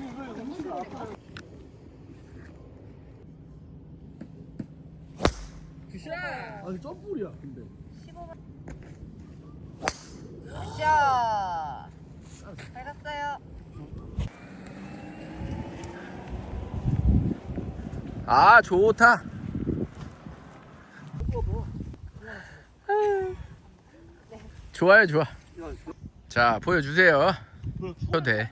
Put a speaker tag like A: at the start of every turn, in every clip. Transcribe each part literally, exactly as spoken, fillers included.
A: 아니 점프볼이야 근데.
B: 굿샷. 잘 갔어요.
C: 아 좋다. 좋아요 좋아. 자 보여주세요. 해도 돼.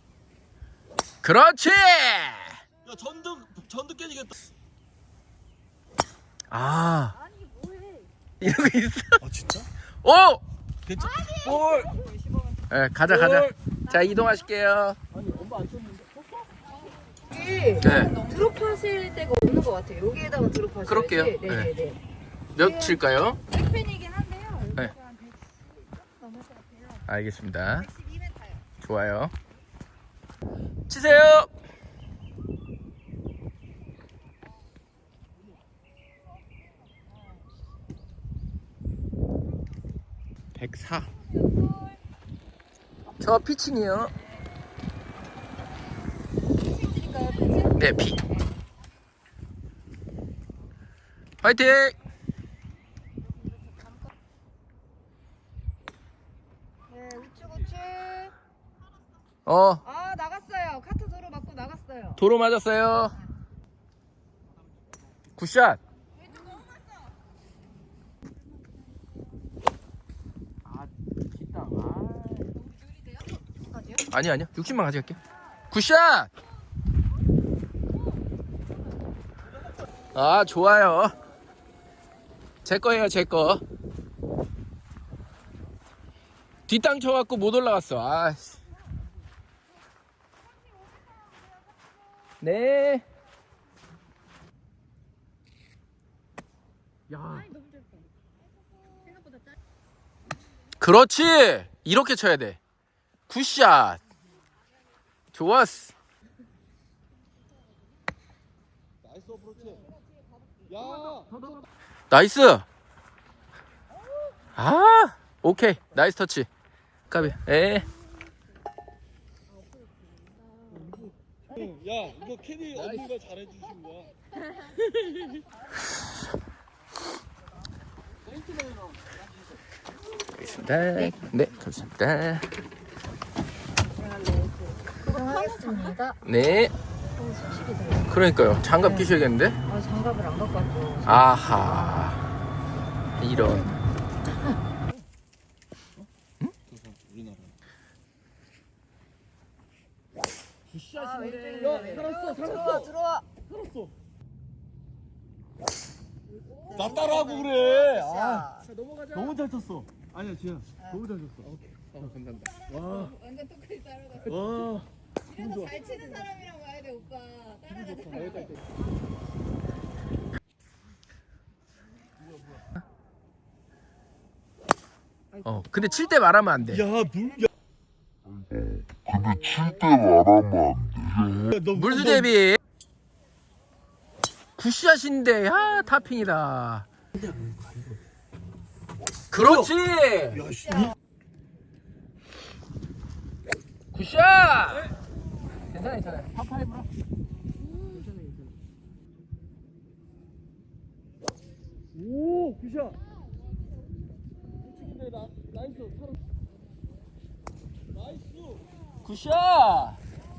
C: 그렇지.
A: 야 전등 전등 깨지겠다.
C: 아
B: 아니 뭐해?
C: 이런 거 있어.
A: 아 진짜?
C: 오.
A: 괜찮?
C: 볼. 네, 가자 가자. 자 이동하실게요.
A: 아니 엄마 안 쳤는데.
B: 여기
C: 네.
B: 드롭하실 데가 없는 것 같아요. 여기에다가 드롭하셔야지.
C: 그럴게요.
B: 네네네.
C: 몇 칠까요?
B: 백팬이긴 한데요.
C: 네.
B: 여기가 한 백십 넘을 것 같아요.
C: 알겠습니다.
B: 백십이 미터요.
C: 좋아요. 치세요. 백사. 저 피칭이요.
B: 피칭 드릴까요? 피칭?
C: 네, 피. 화이팅!
B: 네, 우측 우측.
C: 어,
B: 아 나갔어요. 카트 도로 맞고 나갔어요.
C: 도로 맞았어요. 굿샷. 아, 뒷땅.
B: 어디요?
C: 아니 아니요. 육십만 가져갈게. 굿샷. 아, 좋아요. 제 거예요, 제 거. 뒷땅 쳐갖고 못 올라갔어. 아, 씨. 네. 야. 그렇지. 이렇게 쳐야 돼. 굿샷. 좋았어.
A: 나이스 어프로치. 야.
C: 나이스. 아, 오케이. 나이스 터치. 까비. 에.
A: 야 이거 캐디 언니가 잘해주신 거야.
C: 알겠습니다. 네, 감사합니다.
B: 수고하셨습니다.
C: 네.
B: 어, 솔직히 돼요.
C: 그러니까요. 장갑 끼셔야겠는데?
B: 아 장갑을 안 갖고 왔죠.
C: 아하. 이런.
A: 우리나라.
B: 아, 왼쪽에
A: 야,
B: 왼쪽.
A: 살았어,
B: 들어와
A: 살았어.
B: 들어와.
A: 살았어. 나 따라하고 그래. 아,
B: 자,
A: 너무 잘 쳤어. 아니야, 지야. 너무 잘 쳤어.
C: 어, 감사합니다.
A: 와,
B: 완전 똑같이 따라가.
A: 와. 기분 좋아.
B: 잘 치는 사람이랑 와야 돼 오빠. 따라가.
C: 어, 근데 칠 때 말하면 안 돼.
A: 야, 물. 야.
D: 근데 칠 때 말하면 안 돼.
A: 야, 너
C: 물수
A: 너-
C: 대비. 굿샷인데, 아, 타핑이다. 그렇지!
A: 야, 씨.
C: 굿샷! 괜찮아, 괜찮아.
A: 파파이브라. 오, 굿샷. 우측인데 나 나이스. 사람. 나이스.
C: 굿샷!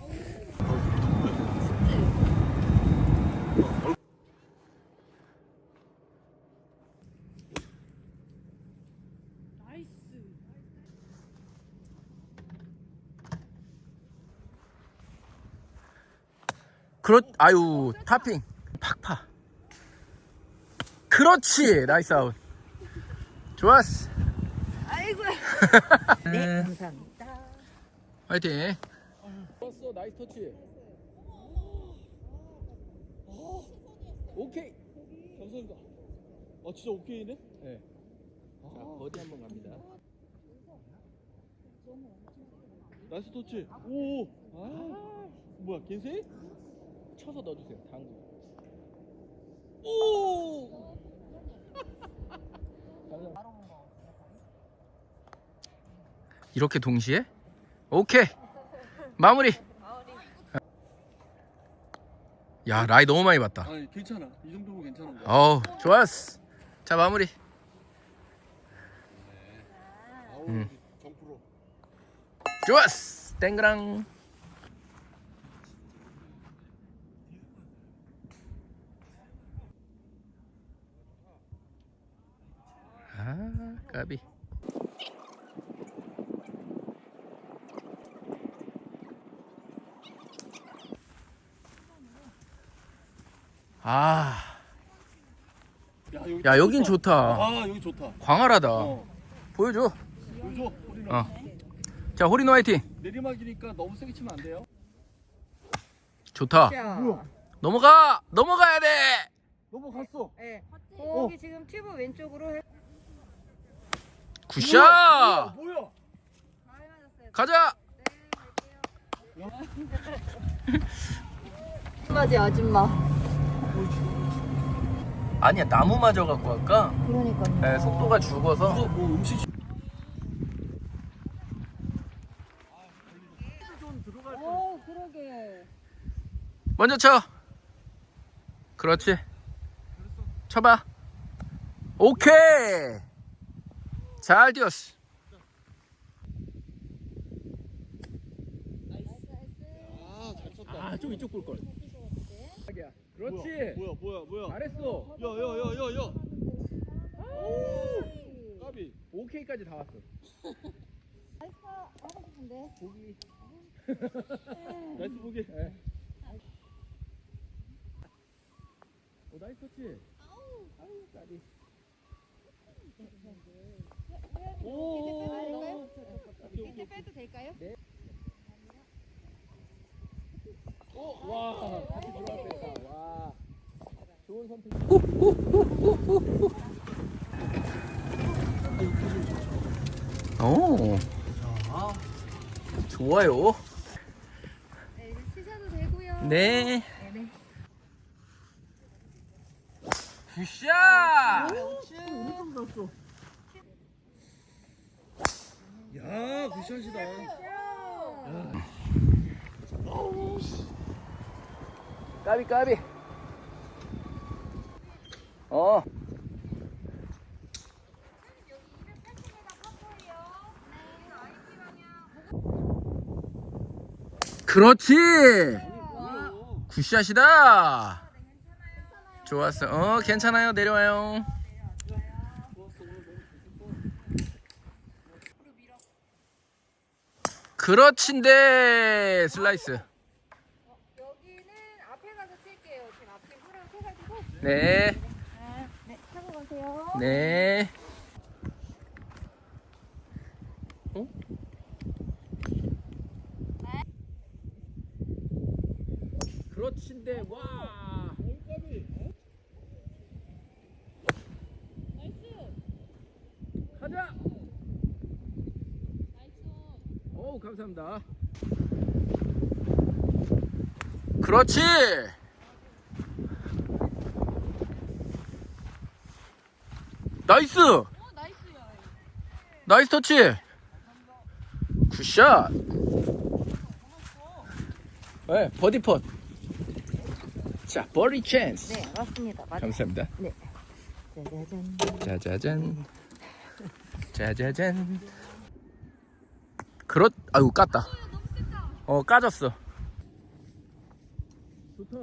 C: 그렇, 아유, 타핑. 팍파. 그렇지! 나이스 아웃. 좋았어.
B: 아이고야. 네 감사합니다.
C: 화이팅. 좋았어, 나이스 터치. 오케이.
A: 감사합니다. 아, 진짜 오케이네?
C: 네. 자, 버디 한번 갑니다.
A: 나이스 터치. 오. 아. 뭐야, 겐세이?
C: 쳐서 넣어주세요, 당구.
A: 오.
C: 이렇게 동시에? 오케이. 마무리. 야 라이 너무 많이 봤다.
A: 아니 괜찮아. 이 정도면 괜찮은 거야.
C: 어우 좋았어. 자 마무리.
A: 아우
C: 음.
A: 정프로.
C: 좋았어. 땡그랑. 아 까비. 아.
A: 야, 여기
C: 야 여긴
A: 좋다.
C: 좋다.
A: 아 여기 좋다.
C: 광활하다.
A: 어.
C: 보여줘.
A: 보여줘. 우리는
C: 어. 자 호리노 화이팅.
A: 내리막이니까 너무 세게 치면 안 돼요.
C: 좋다.
B: 자,
C: 넘어가. 넘어가야 돼.
A: 넘어갔어.
B: 네. 거기 지금 튜브 왼쪽으로 해.
C: 굿샷.
A: 뭐야? 뭐야?
B: 많이 맞았어요.
C: 가자.
B: 네, 갈게요. 아줌마지 아줌마.
C: 아니야 나무 맞아 갖고 할까?
B: 그러니까요.
C: 네, 속도가 죽어서.
A: 이거 뭐 음식
B: 오 그러게.
C: 먼저 쳐. 그렇지. 쳐봐. 오케이. 잘 뛰었어.
A: 아잘 쳤다.
C: 아좀 이쪽 볼 걸. 그렇지.
A: 뭐야 뭐야 뭐야.
C: 잘했어.
A: 야야야야야. 까비.
C: 오케이까지 다 왔어.
B: 하고 싶은데.
C: 보기.
A: 나이스 보기.
C: 네. 오 나이스 터치. 아우 까비.
A: 오.
B: 이렇게 빼도 될까요?
A: 오. 와.
C: 같이 들어갈 뻔했다. 와. 좋은 선택. 오. 좋아요.
B: 네, 이제 치셔도 되고요.
C: 네.
B: 네네.
C: 굿샷.
A: 엄청 났어. 야 굿샷이다.
C: 까비 까비. 어. 그렇지. 굿샷이다. 좋았어. 어 괜찮아요. 내려와요. 그렇친데 슬라이스.
B: 여기는 앞에 가서 칠게요. 지금 앞에 후랑 쳐가지고.
C: 네.
B: 아, 네, 타고 가세요.
C: 네. 어? 그렇친데 와. 가자. 어우 감사합니다. 그렇지. 나이스. 나이스 터치. 굿샷. 네, 버디 펫. 자, 버디 찬스.
B: 네, 맞습니다. 맞아요.
C: 감사합니다.
B: 네. 짜자잔.
C: 짜자잔. 짜자잔. 그렇, 아유 깠다. 어 까졌어. 좋다.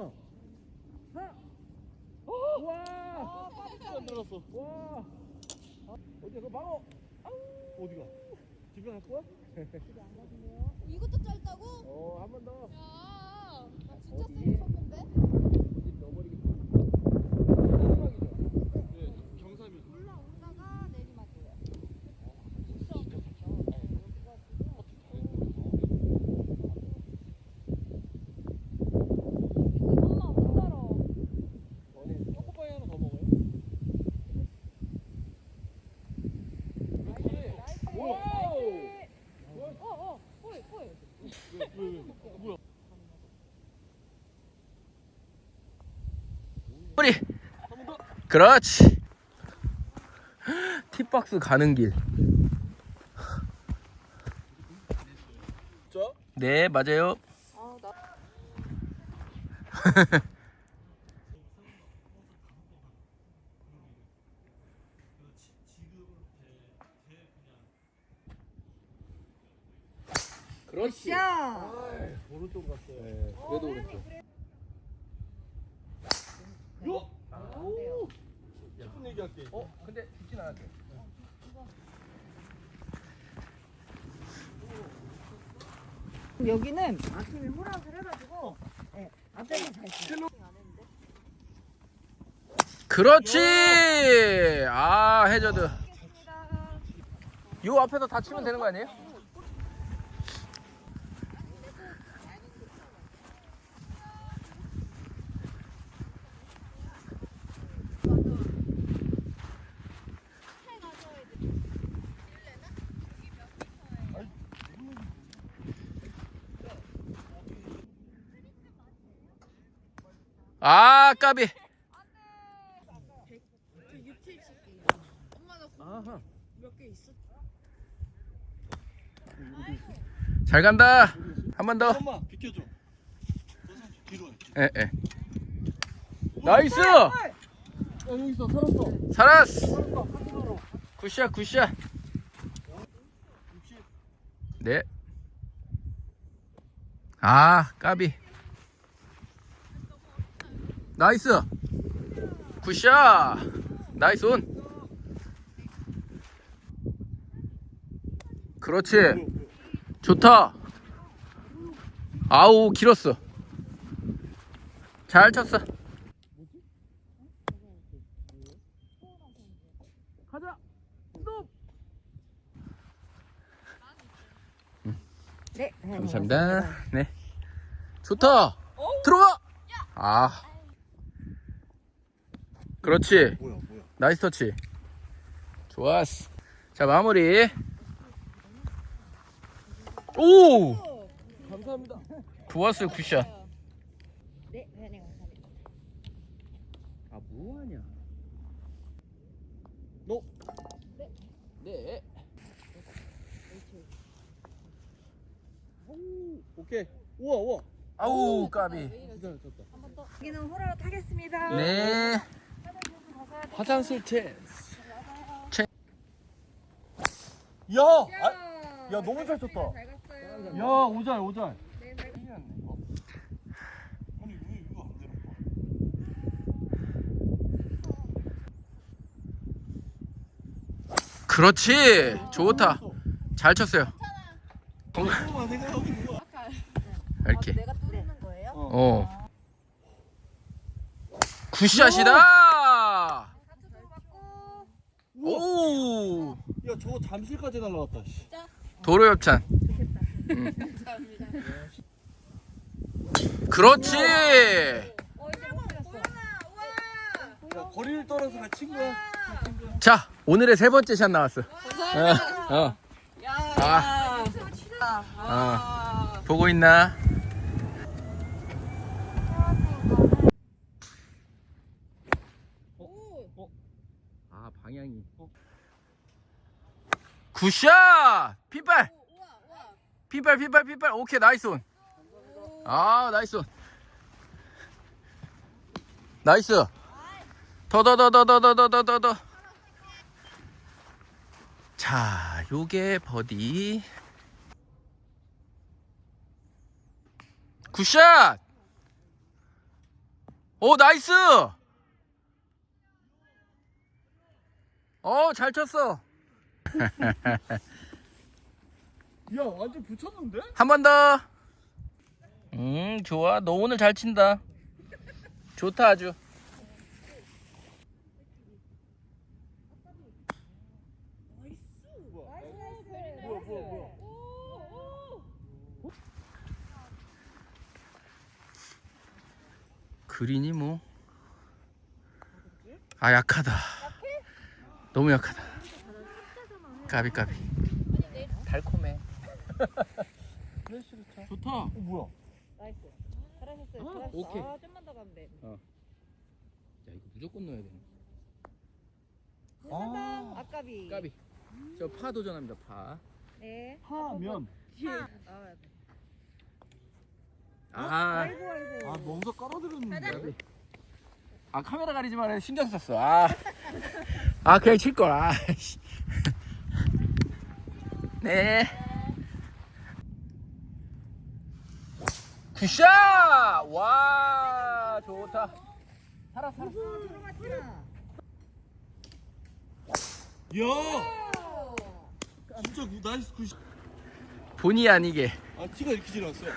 C: 와.
A: 안 들었어.
C: 와. 어디야 그 방어.
A: 어디가? 집에 갈 거야?
E: 이것도 짧다고?
C: 어 한 번 더.
E: 야, 나 진짜 세게 쳤는데?
C: 어디 넣어버리겠다. 마지막이죠.
A: 네, 경삼이.
E: 올라오다가 내리막이에요. 엄마 못 살아.
A: 초코파이 하나 더 먹어요?
C: 와우.
E: 어, 어, 호이, 호이.
A: 왜, 왜, 왜? 뭐야?
C: 우리. 그렇지. 팁박스 가는 길.
A: 자,
C: 네 맞아요.
B: 아, 나
C: 그렇지.
B: 샷.
A: 오른쪽 갔어요.
C: 네, 그래도 오른쪽.
A: 요! 오! 십 분 얘기할게.
C: 어, 근데 죽진 않았대.
B: 여기는 아침에 호락을 해가지고 네, 앞에는 잘 쳐요.
C: 그렇지. 아, 해저드. 요 앞에서 다 치면 되는 거 아니에요? 아, 까비. 아하. 잘 간다. 한 번 더.
A: 엄마 비켜줘. 뒤로 해.
C: 예, 예. 나이스.
A: 어 여기 있어. 살았어.
C: 살았어.
A: 살았어. 한으로.
C: 굿샷, 굿샷.
A: 육십.
C: 네. 아, 까비. 나이스. 굿샷. 나이스 온. 그렇지. 좋다. 아우, 길었어. 잘 쳤어. 가자. 스톱.
B: 네,
C: 감사합니다. 네. 좋다. 들어가. 아. 그렇지.
A: 뭐야 뭐야.
C: 나이스 터치. 좋았어. 자, 마무리. 오!
A: 감사합니다.
C: 좋았어요, 굿샷.
B: 네, 네, 감사합니다.
C: 아, 뭐하냐?
A: 너.
C: 네.
A: 오, 오케이. 우와 우와.
C: 아우, 까비.
A: 진짜 쳤다.
B: 여기는 호락을 타겠습니다.
C: 네.
A: 화장실 찬스.
C: 채-
A: 야, 아, 야 너무 잘 쳤다.
B: 잘 갔어요.
A: 야 오잘 오잘.
B: 네, 잘 갔어요.
A: 아니 왜 이거 안 되는 거야?
C: 그렇지. 좋다. 잘 쳤어요.
A: 이거만 생각하고 있는 거야.
C: 이렇게.
B: 내가 뚫는 거예요?
C: 어. 굿샷이다.
B: 사투로 맞고.
C: 오.
A: 야 저거 잠실까지 날라왔다. 씨.
C: 도로 협찬. 응. 그렇지.
B: 어, 이제 못 갔어.
A: 야 거리를 떨어서 같이 친 거야.
C: 자, 오늘의 세 번째 샷 나왔어. 어. 어. 아. 어. 보고 있나? 아, 방향이. 굿샷! 핀발! 핀발, 핀발, 핀발. 오케이, 나이스 온. 아, 나이스 온. 나이스. 더, 더, 더, 더, 더, 더, 더, 더, 더, 더. 자, 요게 버디. 굿샷! 오, 나이스! 어, 잘 쳤어.
A: 야 완전 붙였는데?
C: 한 번 더. 음, 좋아. 너 오늘 잘 친다. 좋다, 아주.
A: 뭐야 뭐야 뭐야.
C: 그린이 뭐. 아, 약하다. 너무 약하다. 까비, 까비. 달콤해.
A: 플래시를 쳐. 좋다. 어 뭐야?
B: 나이스. 잘하셨어요.
C: 아,
B: 잘하셨어.
C: 오케이.
B: 아, 좀만 더 가면 돼.
C: 야, 이거 무조건 넣어야 되네.
B: 아, 아까비.
C: 까비. 저 파 도전합니다, 파.
B: 네.
A: 하면.
B: 아,
C: 아,
B: 아이고 아이고.
A: 아 너무 깔아드렸는데.
C: 아, 카메라 가리지 말아. 신경 썼어. 아, 아 그냥 칠 걸. 아, 씨. 네. 굿샷! 와, 좋다. 살아, 살아.
A: 이야. 진짜 구- 나이스 굿.
C: 본의 아니게.
A: 아 티가 이렇게 지났어요.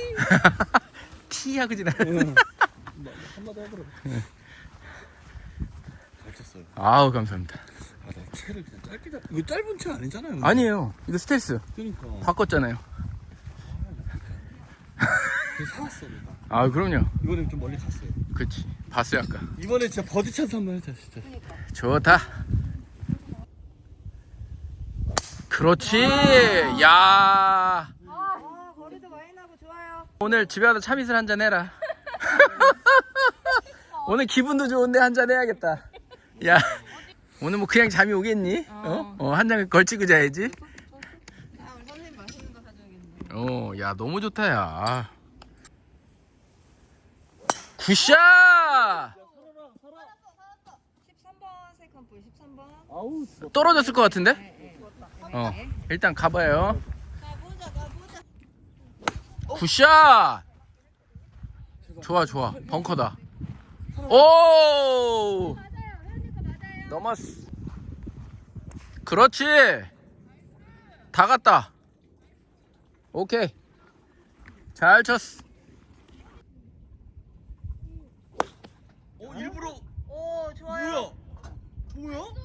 C: 티하고 지나.
A: 한마디 하더라고. 잘 쳤어요.
C: 아우, 감사합니다.
A: 아, 나 채를 그냥 짧게 잡. 이거 짧은 채 아니잖아요. 근데.
C: 아니에요. 이거 스텔스.
A: 그러니까.
C: 바꿨잖아요.
A: 그 살았어 내가.
C: 아, 그럼요.
A: 이번에 좀 멀리 갔어요.
C: 그치. 봤어요, 아까.
A: 이번에 진짜 버디 찬스 한번 하자 진짜.
C: 좋다. 그렇지. 야.
B: 아, 거리도 많이 나고 좋아요.
C: 오늘 집에 와서 참이슬 한잔 해라. 오늘 기분도 좋은데 한잔 해야겠다. 야. 오늘 뭐 그냥 잠이 오겠니? 어? 어, 한 잔 걸치고 자야지.
B: 아, 우리 선생님 맛있는 거 사줘야겠네.
C: 어, 야, 너무 좋다, 야. 굿샷!
B: 십삼 번 세컨볼 십삼 번.
A: 아우.
C: 떨어졌을 것 같은데?
B: 네, 네.
C: 어, 일단 가봐요.
B: 가보자, 가보자.
C: 굿샷! 좋아, 좋아. 벙커다. 오!
B: 맞아요. 회원님 거 맞아요.
C: 넘었어. 그렇지. 다 갔다. 오케이. 잘 쳤어.
A: 어 일부러.
B: 오, 좋아요.
A: 뭐야? 뭐야?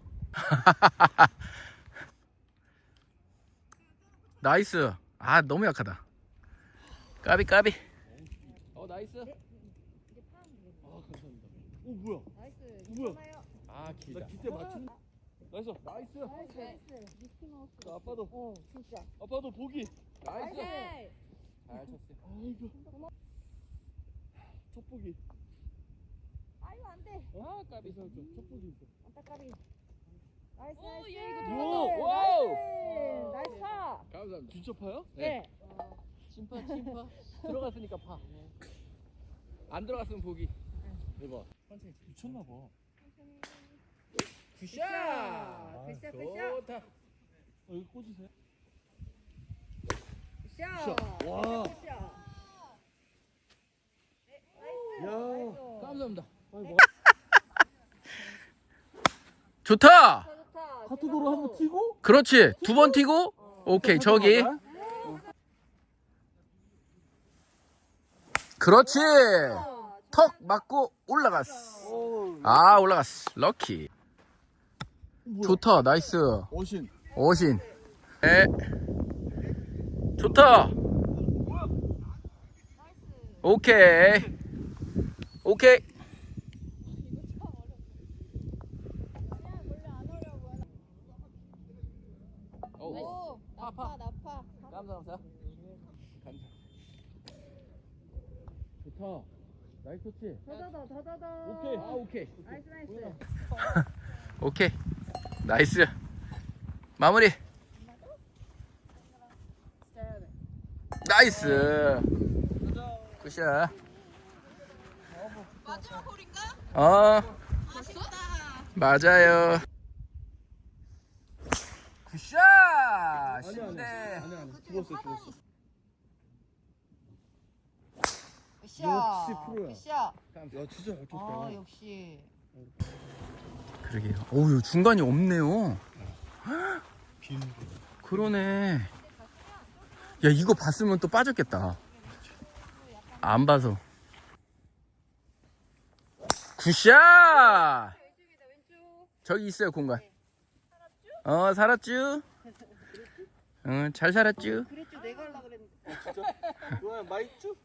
C: 나이스. 아, 너무 약하다. 까비, 까비. 어, 나이스.
A: 아 감사합니다. 오 뭐야?
B: 나이스.
A: 뭐야?
B: 괜찮아요.
C: 아,
A: 나 기대 맞춘. 나이스. 나이스.
B: 나이스.
A: 나 아빠도.
B: 오, 진짜.
A: 아빠도 보기.
C: 나이스.
B: 나이스.
C: 잘 쳤어요.
A: 아이고. 첫 보기.
B: 아유, 안 돼.
C: 아, 까비.
A: 첫 보기 있어.
B: 안타까비. 나이스,
E: 오,
B: 나이스.
E: 얘 이거
A: 들어갔다.
C: 와우.
B: 나이스. 나이스 파.
C: 감사합니다.
A: 진짜 파요?
B: 네.
C: 심파, 심파. 들어갔으니까 파. 안 들어갔으면 보기.
A: 대박. 미쳤나 봐.
C: 굿샷!
B: 굿샷, 굿샷.
C: 좋다.
A: 어, 여기 꽂으세요.
B: 굿샷.
A: 와.
B: 굿샷. 네, 나이스.
A: 야.
B: 나이스.
C: 감사합니다.
A: 아이고.
C: 좋다.
B: 좋다, 좋다.
A: 카트도로 한번 튀고.
C: 그렇지. 두 번 튀고. 오케이, 저기. 그렇지. 턱 맞고 올라갔어.
A: 오.
C: 아, 올라갔어. 럭키. 좋다. 나이스.
A: 어신.
C: 어신. 네. 좋다. 오케이. 오케이.
E: 오, 나파, 나파.
C: 감사합니다. 감사. 좋다. 나이스 좋지.
B: 더더더, 더더더.
A: 오케이.
C: 아, 오케이.
B: 나이스, 나이스.
C: 오케이. 나이스. 마무리. 나이스. 굿샷.
E: 마지막 홀인가?
C: 어,
E: 아쉽다.
C: 맞아요. 굿샷.
A: 아니야 아니야.
C: 신대.
A: 아니야 아니야. 죽었어 죽었어.
B: 굿샷.
A: 역시 프로야.
B: 굿샷.
A: 야 진짜 잘 쳤다.
B: 아, 역시.
C: 그러게요. 어우, 중간이 없네요.
A: 빈.
C: 그러네. 야, 이거 봤으면 또 빠졌겠다. 안 봐서. 굿샷!
B: 왼쪽이다, 왼쪽.
C: 저기 있어요, 공간. 어, 살았쥬? 응, 잘 살았쥬?
B: 그랬죠, 내가 하려고 그랬는데.
A: 진짜? 좋아요 마이쮸?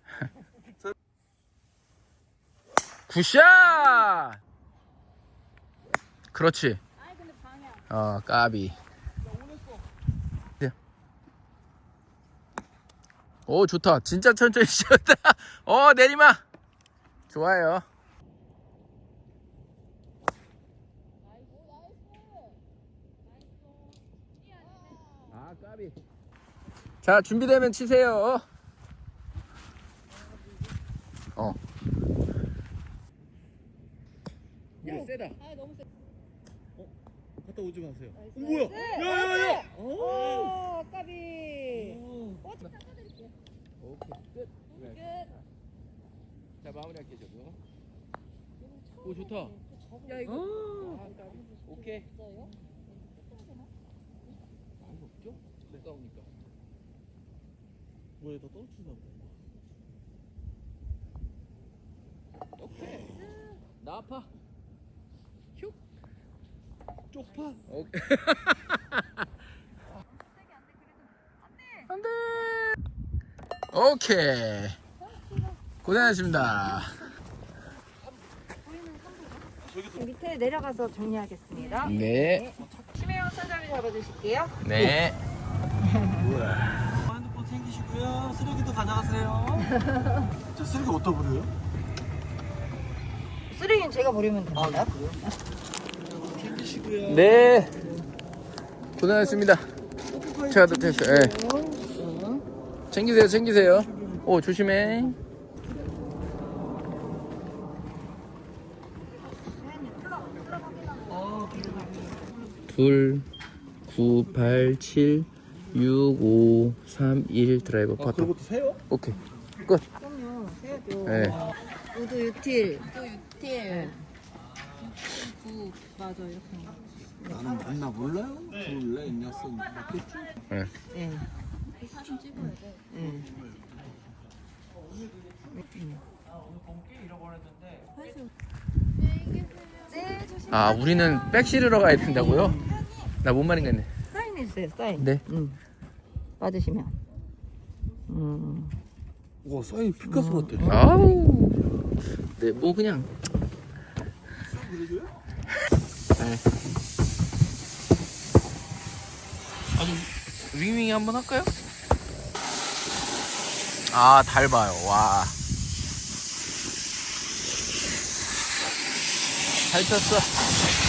C: 굿샷! 그렇지.
E: 아이, 근데 방향.
C: 어, 까비. 네. 오, 좋다. 진짜 천천히 치셨다. 어, 내리막. 좋아요. 아, 까비. 자, 준비되면 치세요. 어. 야, 세다.
E: 아, 너무 세.
A: 갔다 오지 마세요. 어,
B: 나이스,
A: 뭐야?
B: 나이스.
A: 야야야.
B: 오, 까비.
A: 오.
B: 어, 닦아드릴게요.
C: 오케이 끝. 네. 자 마무리할게 저거. 오 좋다.
B: 야 이거
C: 오케이. 많이 없죠? 가까우니까.
A: 뭐에 더 떨어뜨리나 보다.
C: 오케이. 나파. 슉.
A: 쪽파.
C: 오케이. 안돼. 오케이. 고생하셨습니다.
B: 밑에 내려가서 정리하겠습니다.
C: 네.
B: 심혜영 선장님 잡아주실게요.
C: 네.
A: 핸드폰 챙기시고요. 쓰레기도 가져가세요. 저 쓰레기 어디다 버려요?
B: 쓰레기는 제가 버리면 됩니다.
A: 챙기시고요.
C: 네. 고생하셨습니다. 제가 더 됐어요. 예. 챙기세요, 챙기세요. 오, 조심해. 둘, 구, 팔, 칠, 육, 오, 삼, 일 드라이버
A: 아,
C: 파트.
A: 그런 것도 세요?
C: 오케이. 끝.
B: 그럼요. 세야죠.
C: 네.
B: 우드 유틸.
E: 또 육틸. 구 맞아 이렇게.
A: 나는 맞나 몰라요? 둘, 넷, 여섯, 맞겠지?
C: 네.
B: 네.
E: 사진 찍어야 돼.
B: 네. 네, 조심.
C: 아, 우리는 백 실으러 가야 된다고요? 나 뭔 말인가 했네.
B: 사인해주세요. 사인.
C: 네.
B: 음. 받으시면. 음.
A: 와, 사인 피카소 같아.
C: 아우. 네, 뭐 그냥. 네. 아니, 윙윙 한번 할까요? 아, 달 봐요. 와. 잘 쳤어.